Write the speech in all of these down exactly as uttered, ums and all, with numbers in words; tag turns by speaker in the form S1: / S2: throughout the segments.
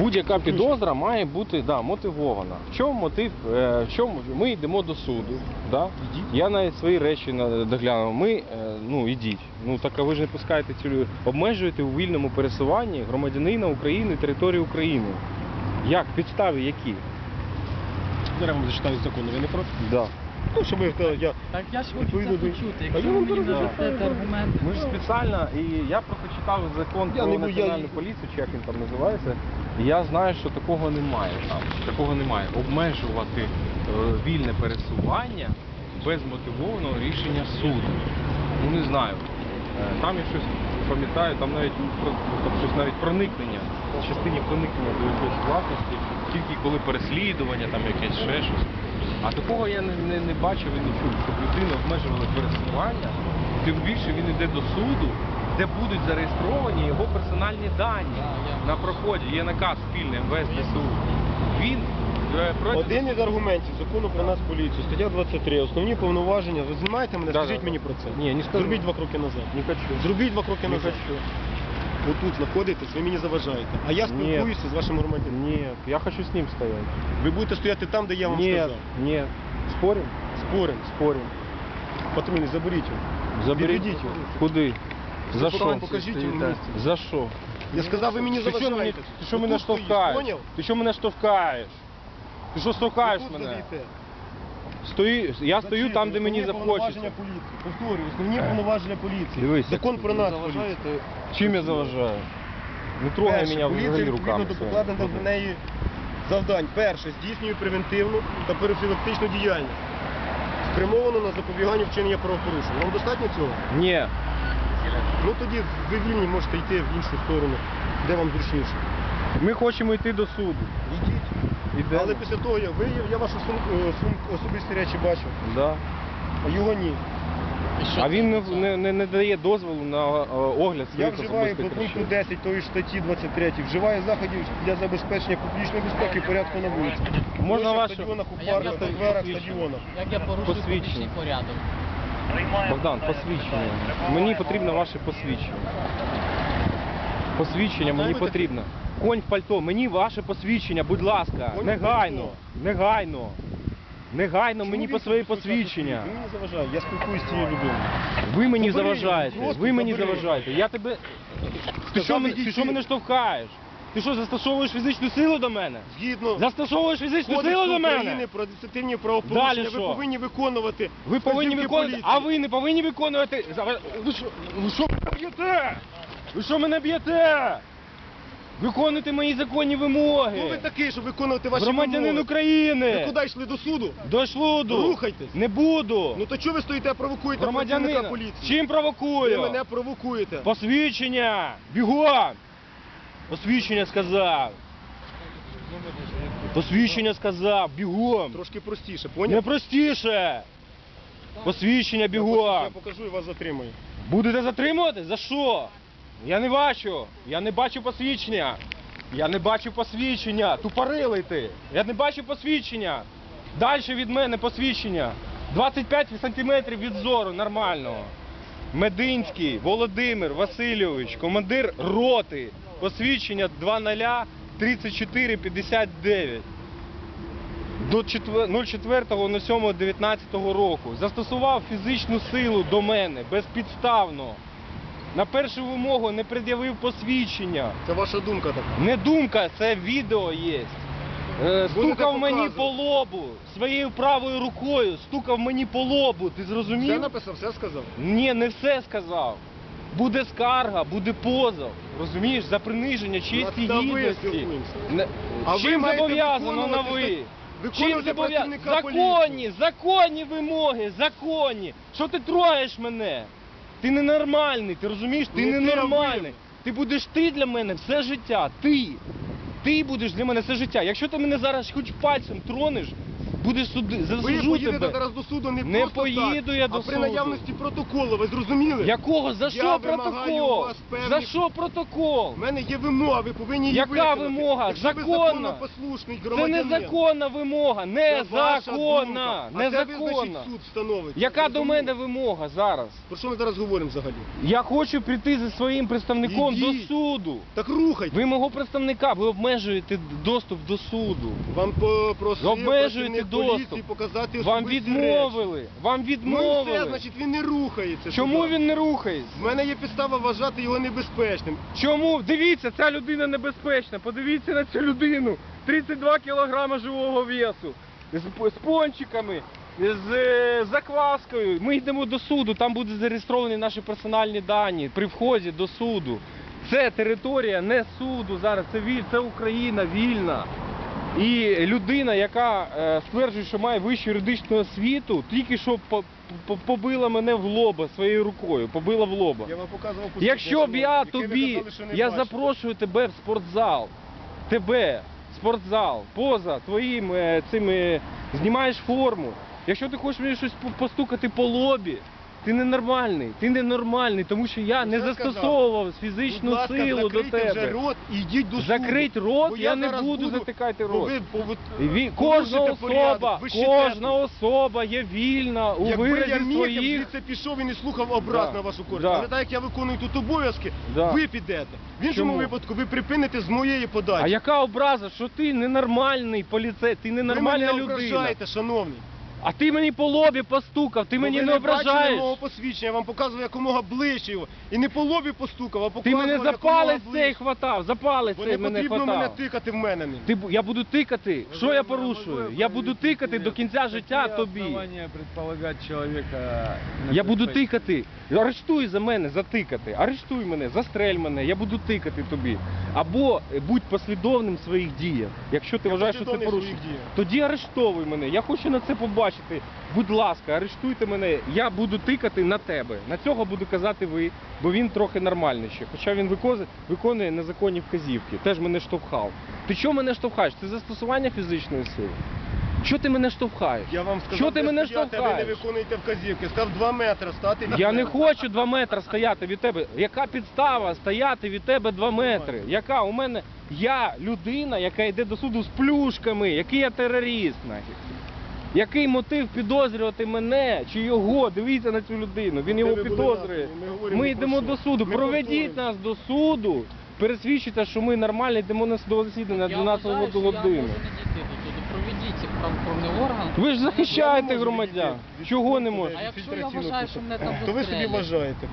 S1: Будь-яка підозра має бути да, мотивована. В чому мотив? Е, в чому ми йдемо до суду? Да? Я навіть свої речі доглянув. Ми, е, ну ідіть. Ну так а ви ж не пускаєте цю обмежуєте у вільному пересуванні громадянина України території України. Як? Підстави які?
S2: Зараз вам зачитаю закон, ви не проти?
S1: Да.
S2: Ну, щоб ви, я...
S3: Так я ж хочу це почути,
S2: А
S3: якщо
S2: я
S3: ви
S2: вам
S3: мені
S2: зараз
S3: дасте
S2: зачитаю.
S3: аргументи.
S1: Ми ж спеціально, і я просто читав закон
S2: Я
S1: про
S2: не бу- я-
S1: національну поліцію, чи як він там називається, і я знаю, що такого немає там. Такого немає. Обмежувати е, вільне пересування без мотивованого рішення суду. Ну не знаю. Е, там я щось пам'ятаю, там навіть про- там щось навіть проникнення, в частині проникнення до якоїсь власності, тільки коли переслідування, там якесь ще щось. А такого я не, не, не бачив і не чув, щоб людина обмежувала пересування, тим більше він йде до суду, де будуть зареєстровані його персональні дані на проході. Є наказ спільний ем ве ес Де Се У. Він е, проти...
S2: Один із аргументів закону про нас поліцію, стаття двадцять три, основні повноваження. Ви знімаєте мене?
S1: Да,
S2: Скажіть
S1: да,
S2: мені
S1: да.
S2: про це.
S1: Ні, не скажу.
S2: Зробіть два кроки назад.
S1: Не хочу.
S2: Зробіть два кроки
S1: Не
S2: назад.
S1: хочу.
S2: Отут знаходитесь, ви мені заважаєте. А я спілкуюся з вашим громадянином.
S1: Нет, я хочу с ним стоять.
S2: Ви будете стояти там, де я вам
S1: Нет,
S2: сказав.
S1: нет. Спорим?
S2: Спорим.
S1: Спорим.
S2: Патрульний, заберіть його.
S1: Заберіть.
S2: Відведіть його.
S1: Куди? За
S2: Покажіть,
S1: що?
S2: покажіть йому місце.
S1: За що?
S2: Я сказав, ви мені
S1: Ти що
S2: заважаєте.
S1: мене, ти що мене
S2: Отут стоїш,
S1: штовхаєш?
S2: поняв?
S1: Ти що мене штовхаєш? Ти що штовхаєш
S2: Отут
S1: мене?
S2: стоїте.
S1: Стою, я стою
S2: Зачем?
S1: там, де мені
S2: Основні
S1: захочеться.
S2: повноваження поліції. Повторюю, основні повноваження поліції.
S1: Дивись,
S2: Закон
S1: як
S2: про
S1: ви
S2: нас
S1: заважаєте.
S2: поліцію.
S1: Чим я заважаю? Не трогай
S2: Перше,
S1: мене
S2: поліція
S1: взагалі
S2: відповідно
S1: руками.
S2: до
S1: своїми.
S2: покладених до неї завдань. Перше, здійснює превентивну та профілактичну діяльність, спрямовану на запобігання вчинення правопорушень. Вам достатньо цього?
S1: Ні.
S2: Ну тоді ви вільні можете йти в іншу сторону, де вам зручніше.
S1: Ми хочемо йти до суду.
S2: Йдіть.
S1: Ідемо.
S2: Але після того, я, ви, я вашу сумку, сумку, особисті речі бачив,
S1: Да.
S2: а його ні.
S1: А він не, не, не, не дає дозволу на е, огляд
S2: Я
S1: своїх
S2: вживаю по
S1: особистих
S2: пункту
S1: речей.
S2: десять тої ж статті двадцять три, вживаю заходів для забезпечення публічної безпеки і порядку на вулиці.
S1: Можна
S2: Площах,
S1: вашу-
S2: стадіонах, у
S3: А як
S2: парках,
S3: я
S2: скверах,
S1: посвідчення?
S2: стадіонах.
S3: Як я порушую
S1: Посвідчення.
S3: публічний порядок?
S1: Богдан, посвідчення. Мені потрібно ваше посвідчення. Посвідчення мені
S2: Готові
S1: потрібно. Конь в пальто, мені ваше посвідчення, будь ласка.
S2: Конь в
S1: Негайно.
S2: пальто.
S1: Негайно. Негайно
S2: Чому
S1: мені
S2: ви
S1: по своє
S2: тут
S1: посвідчення.
S2: Ви мені заважаєте, я спілкуюсь з цією людиною.
S1: Ви мені
S2: Забери його,
S1: заважаєте.
S2: просто
S1: Ви мені
S2: забери.
S1: заважаєте. Я тебе. Ти
S2: Сказав,
S1: що, мене-
S2: ідіть
S1: ти що
S2: ти.
S1: мене штовхаєш? Ти що, застосовуєш фізичну силу до мене?
S2: Згідно
S1: Застосовуєш фізичну
S2: Кодексу
S1: силу до
S2: України
S1: мене?
S2: про адміністративні правопорушення,
S1: Далі
S2: ви
S1: що?
S2: повинні виконувати
S1: Ви повинні
S2: вказівки
S1: виконувати,
S2: поліції.
S1: а ви не повинні виконувати. За- Ви що, ви що мене б'єте? Ви що мене б'єте? Виконуйте мої законні вимоги.
S2: Хто ви такий, щоб виконувати ваші
S1: Громадянин
S2: вимоги? Ви
S1: України.
S2: куди йшли, до суду?
S1: До шлуду.
S2: Рухайтесь.
S1: Не буду.
S2: Ну то чого ви стоїте, провокуєте працівника
S1: Громадянина.
S2: поліції?
S1: Чим
S2: Ви
S1: провокую?
S2: мене провокуєте.
S1: Посвідчення. Бігом. Посвідчення сказав. Посвідчення сказав. Бігом.
S2: Трошки простіше,
S1: Не
S2: поняв?
S1: простіше. Посвідчення
S2: Я
S1: бігом.
S2: покажу і вас затримаю.
S1: Будете затримувати? За що? Я не бачу. Я не бачу посвідчення. Я не бачу посвідчення. Тупорилий ти. Я не бачу посвідчення. Далі від мене посвідчення. двадцять п'ять сантиметрів від зору нормального. Мединський Володимир Васильович, командир роти. Посвідчення два нуль тридцять чотири п'ятдесят дев'ять. До четвертого сьомого дев'ятнадцятого року застосував фізичну силу до мене безпідставно. На першу вимогу не пред'явив посвідчення.
S2: Це ваша думка така.
S1: Не думка, це відео є. Е,
S2: Будете
S1: Стукав мені
S2: показувати.
S1: по лобу своєю правою рукою, стукав мені по лобу. Ти
S2: Все
S1: зрозумів?
S2: написав, все сказав.
S1: Ні, не все сказав. Буде скарга, буде позов. Розумієш, за приниження честі
S2: Та ви
S1: гідності.
S2: спілкуємося.
S1: Не-
S2: А ви
S1: Чим
S2: маєте
S1: зобов'язано на
S2: виконувати
S1: ви?
S2: ста-
S1: Чим
S2: виконувати
S1: зобов'язано?
S2: працівника
S1: Законні, законні вимоги, законні. Що ти трогаєш мене? Ти ненормальний, ти розумієш? Ти
S2: Не ти, а
S1: ненормальний.
S2: ви.
S1: Ти будеш ти для мене все життя. Ти. Ти будеш для мене все життя. Якщо ти мене зараз хоч пальцем тронеш, будеш суди,
S2: Ви
S1: засуджу
S2: поїдете
S1: тебе.
S2: зараз до суду не,
S1: Не
S2: просто
S1: поїду
S2: так,
S1: я до
S2: а при
S1: суду.
S2: наявності протоколу, ви зрозуміли?
S1: Якого? За
S2: Я
S1: що
S2: вимагаю у
S1: протокол?
S2: вас певні-
S1: За що протокол?
S2: У мене є вимога, ви повинні її
S1: Яка
S2: виконати.
S1: вимога?
S2: Якщо ви
S1: Законна.
S2: законопослушний
S1: Це
S2: громадянин.
S1: незаконна вимога,
S2: Це ваша
S1: незаконна,
S2: думка. А це
S1: незаконна.
S2: визначить суд встановить.
S1: Яка до
S2: Зрозуміло?
S1: мене вимога зараз?
S2: Про що ми зараз говоримо взагалі?
S1: Я хочу прийти зі своїм представником
S2: Ідіть.
S1: до суду.
S2: Так рухайте.
S1: Ви мого представника, ви обмежуєте доступ до суду.
S2: Вам попросив
S1: Обмежуєте
S2: працівник
S1: доступ.
S2: поліції показати
S1: Вам
S2: особисті речі.
S1: відмовили. Вам
S2: Ну і все,
S1: відмовили.
S2: значить він не рухається.
S1: Чому
S2: туди.
S1: він не рухається?
S2: В мене є підстава вважати його небезпечним.
S1: Чому? Дивіться, ця людина небезпечна. Подивіться на цю людину. тридцять два кілограми живого весу. З, з пончиками, з е, закваскою. Ми йдемо до суду, там будуть зареєстровані наші персональні дані при вході до суду. Це територія не суду зараз, це, віль, це Україна вільна. І людина, яка е, стверджує, що має вищу юридичну освіту, тільки що по, по, побила мене в лоба своєю рукою, побила в лоба.
S2: Я вам показував
S1: Якщо б я
S2: яке ви
S1: тобі,
S2: казали, що не
S1: я
S2: бачите.
S1: запрошую тебе в спортзал, тебе, в спортзал, поза твоїм е, цим, е, знімаєш форму. Якщо ти хочеш мені щось по- постукати по лобі, ти ненормальний, ти ненормальний, тому що я
S2: Ну,
S1: не
S2: все
S1: застосовував
S2: Будь
S1: фізичну
S2: ласка,
S1: силу до
S2: закрийте вже
S1: тебе.
S2: рот і йдіть до суду.
S1: Закрить рот,
S2: Бо
S1: я не
S2: зараз
S1: буду затикати
S2: бо
S1: рот.
S2: ви повод-
S1: І ві-
S2: порушите
S1: Кожна
S2: порядок,
S1: особа,
S2: ви ще
S1: кожна
S2: теж.
S1: особа є вільна у
S2: Якби я
S1: виразі
S2: міг, я б
S1: своїх.
S2: звідси пішов і не слухав образ
S1: Да.
S2: на вашу користь.
S1: Да.
S2: Але так як я виконую тут обов'язки,
S1: Да.
S2: ви підете. В іншому
S1: Чому?
S2: випадку ви припините з моєї подачі.
S1: А яка образа, що ти ненормальний поліцей, ти
S2: ви
S1: ненормальна
S2: мене
S1: людина.
S2: ображаєте, шановний.
S1: А ти мені по лобі постукав, ти
S2: Бо
S1: мені
S2: ви
S1: не
S2: бачили
S1: ображаєш.
S2: мого посвідчення, я вам показував якомога ближче його. І не по лобі постукав, а
S1: Ти
S2: показував
S1: мене за
S2: якомога
S1: палець
S2: ближче.
S1: цей хватав, за палець
S2: Бо
S1: цей
S2: не
S1: мене
S2: потрібно мене
S1: хватав.
S2: тикати в мене. ним.
S1: Ти, бу- я буду тикати. Що я порушую? Я буду тикати до кінця життя тобі.
S3: предполагать человека...
S1: Я буду тикати. Арештуй за мене, затикати. Арештуй мене, застрель мене, я буду тикати тобі. Або е, будь послідовним в своїх діях. Якщо ти
S2: Я
S1: вважаєш, що це
S2: послідовний в
S1: порушення,
S2: своїх діях.
S1: тоді арештовуй мене. Я хочу на це побачити. Будь ласка, арештуйте мене. Я буду тикати на тебе. На цього буду казати ви, бо він трохи нормальний ще. Хоча він викоз- виконує незаконні вказівки. Теж мене штовхав. Ти чого мене штовхаєш? Це застосування фізичної сили. Чого ти мене штовхаєш?
S2: Я вам сказав,
S1: Чого ти
S2: де
S1: мене
S2: стояти, а ви не
S1: штовхаєш?
S2: виконуєте вказівки. Став два метри стати. від
S1: Я не
S2: мене.
S1: хочу два метри стояти від тебе. Яка підстава стояти від тебе два метри? Яка? У мене я людина, яка йде до суду з плюшками, який я терорист, нафіг. Який мотив підозрювати мене чи його? Дивіться на цю людину. Він
S2: Де
S1: його
S2: ви були
S1: підозрює.
S2: разом? Ми говоримо
S1: Ми
S2: не про
S1: йдемо
S2: що.
S1: до суду.
S2: Ми
S1: Проведіть
S2: повторюємо.
S1: нас до суду. Пересвідчите, що ми нормально йдемо на судове засідання на
S4: Я
S1: дванадцяту
S4: вважаю, що я
S1: годину.
S4: можу не дійти до суду. Проведіть правоохоронний орган.
S1: Ви ж
S2: Я
S1: захищаєте
S2: не можу
S1: громадян.
S2: відійти від
S1: Чого не
S2: пункту,
S1: можете?
S4: А якщо я
S2: фільтраційного
S4: вважаю, що
S2: пункту.
S4: мене там
S2: То ви собі
S4: застрелять?
S2: вважаєте.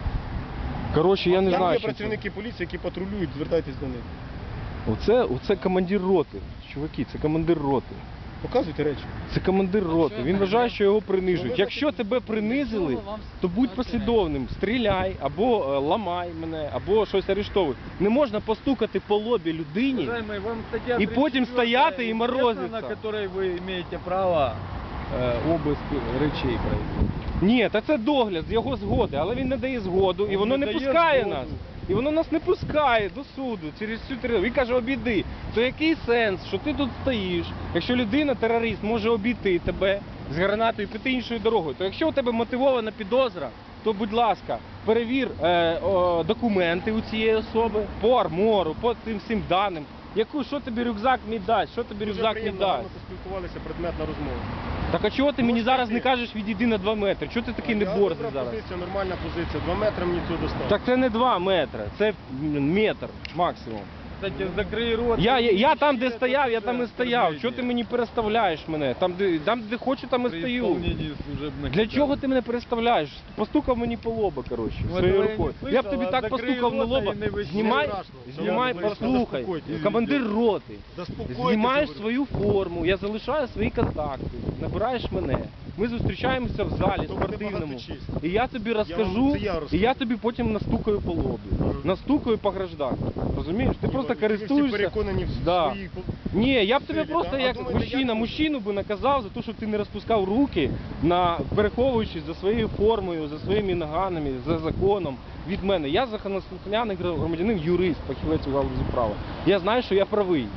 S1: Коротше, я не
S2: Там
S1: знаю,
S2: є
S1: що це.
S2: працівники поліції, які патрулюють, звертайтесь до них.
S1: Оце, оце командир роти. Чуваки, це командир роти.
S2: Показуйте речі.
S1: Це командир роти.
S4: я
S1: Він
S4: так
S1: вважає,
S4: роблю?
S1: що його
S2: Ну,
S1: принижують.
S2: ви
S1: Якщо
S2: так-
S1: тебе принизили,
S4: Нічого вам
S1: то будь
S4: сказати
S1: послідовним. Стріляй або е, ламай мене, або щось арештовуй. Не можна постукати по лобі людині.
S3: Уважаемый, вам статья
S1: И потім
S3: тридцать четвёртая
S1: стояти і
S3: известна,
S1: морозиться.
S3: на которой вы имеете право э, обыск речей провести.
S1: Ні, та це догляд з його згоди, але він не дає згоду, і
S3: Він
S1: воно
S3: не
S1: не
S3: дає
S1: пускає
S3: згоду.
S1: нас. І воно нас не пускає до суду через цю територію. Він каже, обійди. То який сенс, що ти тут стоїш? Якщо людина, терорист, може обійти тебе з гранатою і піти іншою дорогою, то якщо у тебе мотивована підозра, то, будь ласка, перевір е, о, документи у цієї особи по армору, по цим всім даним. Яку, що тобі рюкзак мій дасть? Що тобі
S2: Дуже
S1: рюкзак мій
S2: приємно, гарно
S1: дасть?
S2: поспілкувалися, предметна розмова.
S1: Так а чого ти мені
S2: Можете
S1: зараз не
S2: йти.
S1: кажеш відійди на два метри? Чого ти такий
S2: Я
S1: не борзий
S2: добра
S1: зараз?
S2: позиція, нормальна позиція. Два метри мені цього достатньо.
S1: Так це не два метри, це метр максимум.
S3: Кстати, закрий рот.
S1: Я, я, я там, де
S3: Це
S1: стояв, я
S3: все
S1: там і стояв.
S3: оскорблення.
S1: Чого ти мені переставляєш мене? Там, де, там, де хочу, там і
S3: При
S1: стою.
S3: исполнении служебных
S1: Для чого
S3: обязанностей.
S1: ти мене переставляєш? Постукав мені по лоба, коротше,
S3: Ну,
S1: своєю
S3: этого я не
S1: рукою.
S3: слышал,
S1: Я б тобі
S3: а
S1: так
S3: закрий
S1: постукав на
S3: рота
S1: лоба.
S3: і не вийди.
S1: Знімай,
S2: Не страшно.
S1: знімай,
S2: Я вам
S1: послухай.
S2: заспокойтесь.
S1: Командир роти.
S2: Заспокойтесь,
S1: Знімаєш
S2: говорю.
S1: свою форму, я залишаю свої контакти, набираєш мене. Ми зустрічаємося в залі
S2: То буде
S1: спортивному.
S2: багато честі.
S1: І я тобі
S2: вам-
S1: розкажу,
S2: це я
S1: і
S2: розкажу.
S1: я тобі потім настукаю по лобі.
S2: Ага.
S1: Настукаю по гражданці. Розумієш? Ти просто
S2: Ви всі
S1: користуєшся.
S2: переконані в
S1: Да.
S2: своїй по-
S1: Ні, я б тебе
S2: Силі,
S1: просто
S2: да? А
S1: як
S2: думаєте,
S1: мужчина,
S2: як?
S1: мужчину би наказав за те, що ти не розпускав руки, на переховуючись за своєю формою, за своїми наганами, за законом від мене. Я законослухняний громадянин, юрист, фахівець у галузі права. Я знаю, що я правий.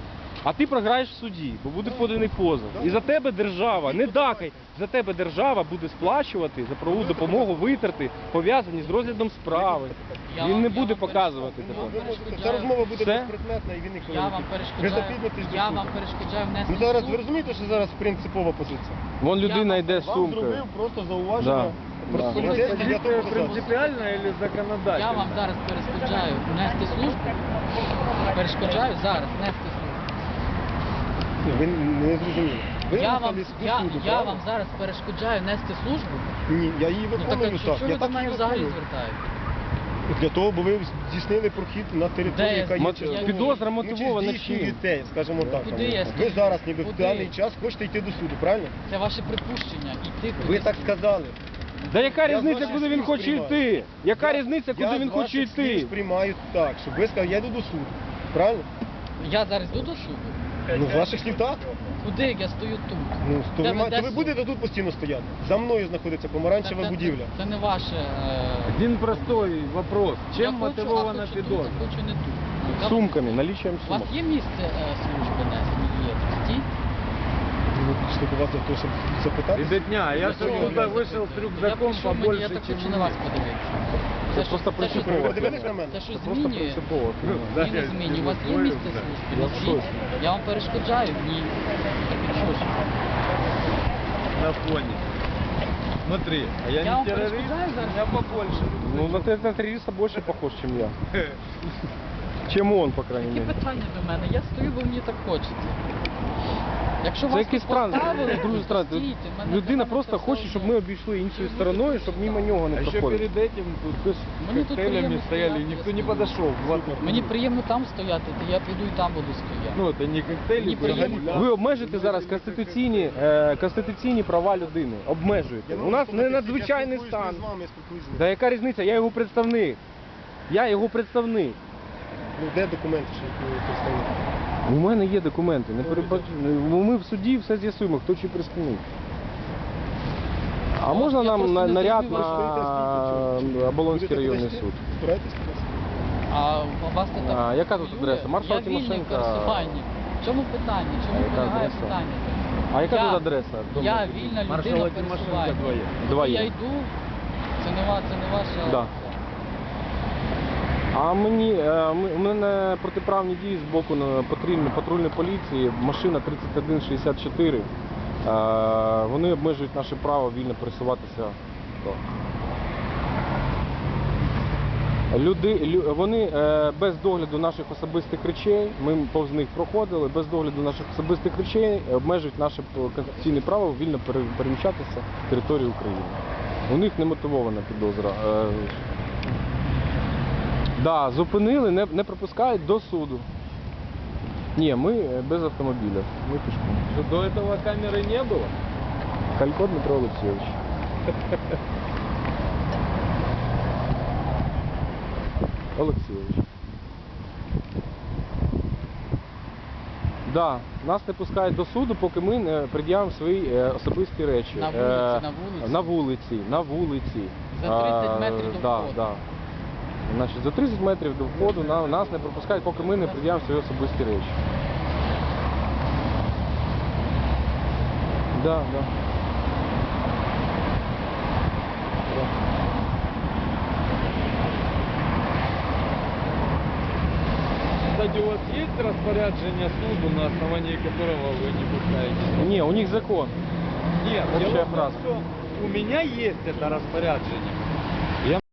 S1: А ти програєш в суді, бо буде поданий позов. І за тебе держава, не дакай, за тебе держава буде сплачувати за правову допомогу, витрати, пов'язані з розглядом справи.
S4: Я
S1: Він
S4: вам-
S1: не
S4: я
S1: буде
S4: вам
S1: показувати
S4: перешкоджаю.
S1: тебе.
S2: Ви можете-
S4: перешкоджаю.
S2: Ця розмова буде
S1: Все?
S2: безпредметна і він ніколи
S4: Я
S2: не
S4: вам
S2: піде. Ви
S4: перешкоджаю.
S2: запізнитесь до
S4: Я
S2: суду.
S4: вам перешкоджаю внести
S2: Ну зараз
S4: в
S2: ви
S4: суд.
S2: розумієте, що зараз принципова позиція?
S1: Вон людина
S4: вам-
S1: йде з
S2: Вам
S1: сумкою.
S2: зробив просто зауваження
S1: Да.
S2: про
S1: Да.
S2: поліцейський для того,
S3: Позиция
S2: показати.
S3: принципиальная или законодательная?
S4: Я вам зараз перешкоджаю внести службу. Перешкоджаю зараз внести службу.
S2: Ні, ви не зрозуміли. Ви
S4: Я вам,
S2: рухались до
S4: я,
S2: суду,
S4: я
S2: правильно?
S4: вам зараз перешкоджаю нести службу.
S2: Ні, я її
S4: Ну так
S2: виконую
S4: а
S2: так.
S4: що
S2: Я
S4: ви до
S2: так
S4: мене
S2: її
S4: взагалі
S2: виконую.
S4: звертаєте?
S2: Для того, бо ви здійснили прохід на
S4: Де
S2: територію,
S4: я
S2: яка є
S4: здійснюю?
S2: частково-
S1: Підозра
S2: Ну, чи
S1: мотивована чим?
S2: здійснюєте, скажімо так.
S4: Куди я
S2: Ви
S4: здійснюю?
S2: зараз ніби в
S4: Куди?
S2: даний час хочете йти до суду, правильно?
S4: Це ваше припущення. Іти
S2: Ви
S4: кудись.
S2: так сказали.
S1: Да яка
S2: Я з
S1: різниця,
S2: ваших
S1: куди він
S2: слів
S1: хоче
S2: сприймаю.
S1: йти? Яка
S2: Я-
S1: різниця, куди
S2: я
S1: він
S2: з
S1: хоче
S2: ваших слів
S1: йти?
S2: сприймаю так, щоб ви сказали, я йду до суду. Правильно?
S4: Я зараз йду до суду.
S2: Ну, з ваших слів так.
S4: Куди як я стою тут?
S2: Ну, то
S4: Де
S2: ви, ма-
S4: веде
S2: то ви
S4: суд?
S2: будете тут постійно стояти. За мною знаходиться помаранчева
S4: Це- це-
S2: будівля.
S4: Це не ваше. е,
S3: Один простой вопрос.
S4: я
S3: Чем
S4: хочу,
S3: мотивована
S4: а хочу тут,
S3: підозра?
S4: а хочу не тут. Я-
S1: Сумками, налічуємо
S4: У вас
S1: сумок.
S4: є місце е, служби несення єдності?
S2: Ми прийшли до вас для того, щоб запитати.
S3: Ребятня, я
S4: Ну,
S3: сегодня
S4: що
S3: туда
S4: ви
S3: вышел с
S4: запитуєте?
S3: рюкзаком
S4: Я прийшов, мені-
S3: побольше,
S4: Я так
S3: чем
S4: хочу на вас подивитися.
S1: Це
S4: що-
S1: просто
S4: це
S1: принципово.
S4: щось-
S2: Ви дивились на мене?
S4: Це щось
S1: Це просто
S4: змінює?
S1: принципово.
S3: Да,
S4: Ні, не
S3: я
S4: змінює. У вас є
S3: усвоїв,
S4: місце
S3: да.
S4: служби?
S1: Я в
S4: Назвіть.
S1: шоці.
S4: Я вам перешкоджаю? Ні. Так і що ж?
S3: На фоне. Смотри, а я,
S4: Я вам
S3: не террорист,
S4: перешкоджаю
S3: у
S4: зараз?
S3: меня побольше.
S1: Ну, на, те- на террориста больше похож, чем я. Чем он, по крайней
S4: Які
S1: мере.
S4: питання до мене? Я стою, бо мені так хочеться. Якщо
S1: Це
S4: вас
S1: якийсь
S4: тут
S1: странно,
S4: поставили,
S1: дуже
S4: то
S1: странно.
S4: стійте, в мене
S1: Людина
S4: прямо
S1: просто
S4: це
S1: хоче,
S4: все
S1: щоб
S4: одно.
S1: ми обійшли іншою стороною, щоб мимо нього не
S3: А еще
S1: проходили.
S3: перед этим тут с
S4: Мені тут
S3: коктейлями
S4: приємно
S3: стояли,
S4: стояти,
S3: никто
S4: я
S3: не
S4: стою.
S3: подошел. Вот.
S4: Мені приємно там стояти, то я піду і там буду стояти.
S3: Ну, это не коктейли,
S4: Мені
S3: взагалі.
S4: приємно.
S1: Ви обмежуєте зараз конституційні, е, конституційні права людини. Обмежуєте. У нас не надзвичайний
S2: Я
S1: стан.
S2: з вами, я спілкуюсь з ним.
S1: Да яка різниця? Я його представник. Я його представник.
S2: Ну, де документи, що ви представник?
S1: У мене є документи. Не перебач... Ну, ми в суді все з'ясуємо, хто чи представник. А
S4: Я
S1: можна
S4: просто
S1: нам на-
S4: не
S1: наряд
S4: зрозумів,
S1: на Оболонський
S2: Будете
S1: районний
S2: туди
S1: суд?
S2: йти? Збираєтесь туди?
S4: А у вас це так
S1: А, яка тут
S4: хвилює?
S1: адреса? Маршал
S4: Я вільний в
S1: Тимошенко.
S4: пересуванні. В чому питання? Чому
S1: А яка
S4: полягає
S1: адреса?
S4: питання?
S1: А яка
S4: Я-
S1: тут адреса?
S4: Я вільна людина
S3: Маршала
S4: в пересуванні.
S3: Тимошенко двоє.
S1: Двоє.
S4: Я йду, це не, ва- це не ваша...
S1: Да. А мені е, ми- у мене протиправні дії з боку на патрульної патрульної поліції, машина тридцять один шістдесят чотири. Е, Вони обмежують наше право вільно пересуватися. Люди, лю- вони е, без догляду наших особистих речей, ми повз них проходили, без догляду наших особистих речей обмежують наше п- конституційне право вільно пере- переміщатися територією України. У них не мотивована підозра. Е, Да, зупинили, не, не пропускають до суду. Ні, ми е, без автомобіля. Ми пішком.
S3: Что, до этого камеры не было?
S1: Калько Дмитро Олексійович. Олексійович. Да, нас не пускають до суду, поки ми не пред'явимо свої е, особисті речі.
S4: На
S1: Е,
S4: вулиці, на вулиці?
S1: На вулиці, на вулиці.
S4: За тридцять
S1: А,
S4: метрів до
S1: да,
S4: входу.
S1: Да. Значить, за тридцять метрів до входу на, нас не пропускають, поки ми не пред'явимо свої особисті речі. Да, да. Да.
S3: Кстати, у вас есть распоряджение суду, на основании которого вы не пускаете?
S1: Ні, у них закон.
S3: Нет,
S1: Общая
S3: дело в том,
S1: фраза.
S3: что у меня есть это распоряджение.